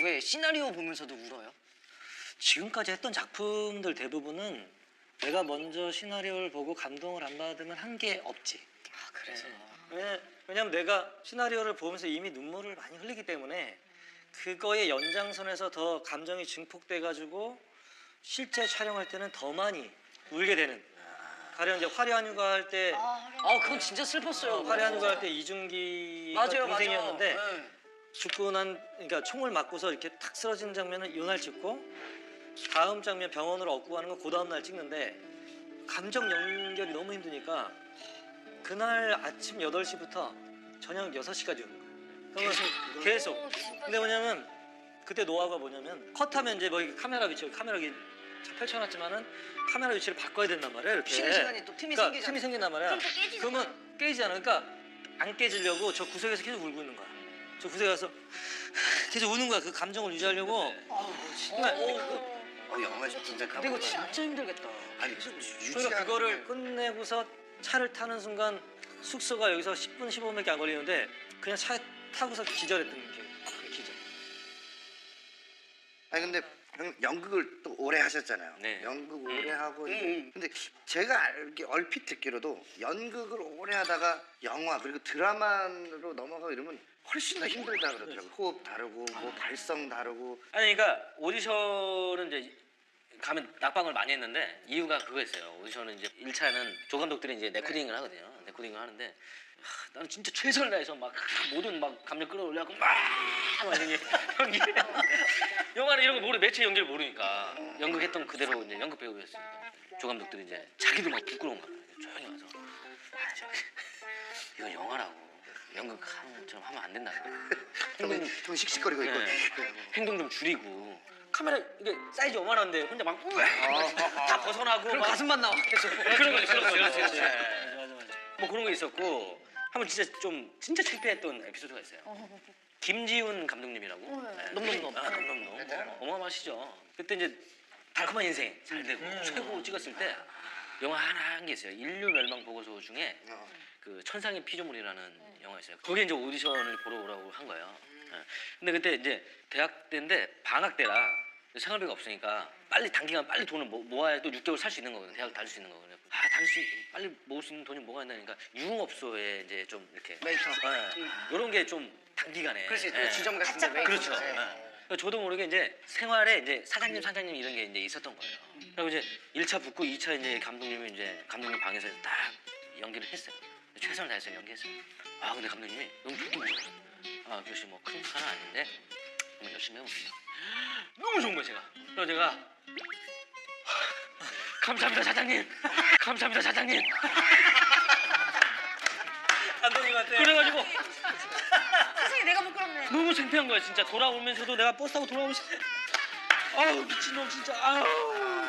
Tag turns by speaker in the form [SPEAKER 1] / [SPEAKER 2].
[SPEAKER 1] 왜 시나리오 보면서도 울어요?
[SPEAKER 2] 지금까지 했던 작품들 대부분은 내가 먼저 시나리오를 보고 감동을 안 받으면 한 게 없지.
[SPEAKER 1] 아 그래서.
[SPEAKER 2] 왜냐면 내가 시나리오를 보면서 이미 눈물을 많이 흘리기 때문에 그거의 연장선에서 더 감정이 증폭돼가지고 실제 촬영할 때는 더 많이 울게 되는. 가령 이제 화려한 휴가 할 때
[SPEAKER 1] 그건 진짜 슬펐어요.
[SPEAKER 2] 화려한 휴가 할 때 이중기가
[SPEAKER 1] 맞아요,
[SPEAKER 2] 동생이었는데
[SPEAKER 1] 맞아요. 네.
[SPEAKER 2] 죽고 그러니까 총을 맞고서 이렇게 탁 쓰러지는 장면은 이날 찍고 다음 장면 병원으로 업고 가는 건 그 다음 날 찍는데 감정 연결이 너무 힘드니까 그날 아침 8시부터 저녁 6시까지 오는 거예요. 계속. 근데 뭐냐면 그때 노하우가 뭐냐면 컷하면 이제 뭐 카메라 위치 카메라 펼쳐놨지만은 카메라 위치를 바꿔야 된단 말이에요. 이렇게.
[SPEAKER 1] 쉬는 시간이 또 틈이 생기잖아.
[SPEAKER 2] 틈이 생긴단 말이야.
[SPEAKER 3] 그럼 또 깨지잖아.
[SPEAKER 2] 그러면 깨지잖아. 그러니까 안 깨지려고 저 구석에서 계속 울고 있는 거야. 저 구석에 가서 계속 우는 거야. 그 감정을 유지하려고.
[SPEAKER 4] 영화 진짜
[SPEAKER 1] 근데 이거 진짜 힘들겠다.
[SPEAKER 4] 아니
[SPEAKER 2] 그러니까 그거를 끝내고서 차를 타는 순간 숙소가 여기서 10분 15분밖에 안 걸리는데 그냥 차에 타고서 기절했던 게 기절.
[SPEAKER 4] 아니 근데 형 연극을 또 오래 하셨잖아요.
[SPEAKER 2] 네.
[SPEAKER 4] 연극 오래 하고 근데 제가 얼핏 듣기로도 연극을 오래 하다가 영화 그리고 드라마로 넘어가고 이러면 훨씬 더 힘들다 그러더라고요. 호흡 다르고 뭐 발성 다르고.
[SPEAKER 5] 아니 그러니까 오디션은 이제 가면 낙방을 많이 했는데 이유가 그거였어요. 오디션은 이제 1차는 조 감독들이 이제 레코딩을 하거든요. 레코딩을 하는데 나는 진짜 최선을 다해서 막 모든 막 감정 끌어올려갖고 막 이게 연기 영화는 이런 거 모르 매체 연기를 모르니까 연극했던 그대로 이제 연극 배우였으니까 조 감독들이 이제 자기도 막 부끄러운 거야. 조용히 와서 이건 영화라고 연극처럼 하면 안 된다.
[SPEAKER 4] 좀 씩씩거리고 있고.
[SPEAKER 5] 행동 좀 줄이고 카메라 이게 사이즈 요만한데 혼자 막 다 벗어나고
[SPEAKER 1] 그럼
[SPEAKER 5] 막
[SPEAKER 1] 가슴만 나와 계속.
[SPEAKER 5] 그런 거 그렇지. 뭐 그런 거 있었고 한번 진짜 창피했던 에피소드가 있어요. 김지훈 감독님이라고.
[SPEAKER 1] 넘넘넘.
[SPEAKER 5] 넘넘넘. 어마어마하시죠. 그때 이제 달콤한 인생 잘 되고 최고 찍었을 때 영화 하나 한 게 있어요. 인류 멸망 보고서 중에 그 천상의 피조물이라는 영화였어요. 거기에 이제 오디션을 보러 오라고 한 거예요. 근데 그때 이제 대학 때인데 방학 때라 생활비가 없으니까 빨리 단기간 빨리 돈을 모아야 또 6개월 살 수 있는 거거든요. 대학 다닐 수 있는 거거든요. 빨리 모을 수 있는 돈이 뭐가 있나니까 유흥업소에 이제 좀 이렇게
[SPEAKER 1] 웨이터.
[SPEAKER 5] 이런 게 좀 단기간에.
[SPEAKER 1] 그렇지.
[SPEAKER 5] 예.
[SPEAKER 1] 주점 같은 데 웨이터.
[SPEAKER 5] 그렇죠. 저도 모르게 이제 생활에 이제 사장님 이런 게 이제 있었던 거예요. 그리고 이제 1차 붙고 2차 이제 감독님 방에서 딱 연기를 했어요. 최선을 다해서 연기했어요. 근데 감독님이 너무 좋더라고요. 교씨 뭐 큰 사람 아닌데 한번 열심히 해봅시다. 너무 좋은 거예요 제가. 그래서 제가 감사합니다 사장님. 감사합니다 사장님.
[SPEAKER 2] 감독님한테.
[SPEAKER 5] 그래가지고
[SPEAKER 3] 세상에 내가 부끄럽네.
[SPEAKER 5] 너무 창피한 거야 진짜. 돌아오면서도 내가 버스 타고 돌아오면서 아우 미친놈 진짜 아우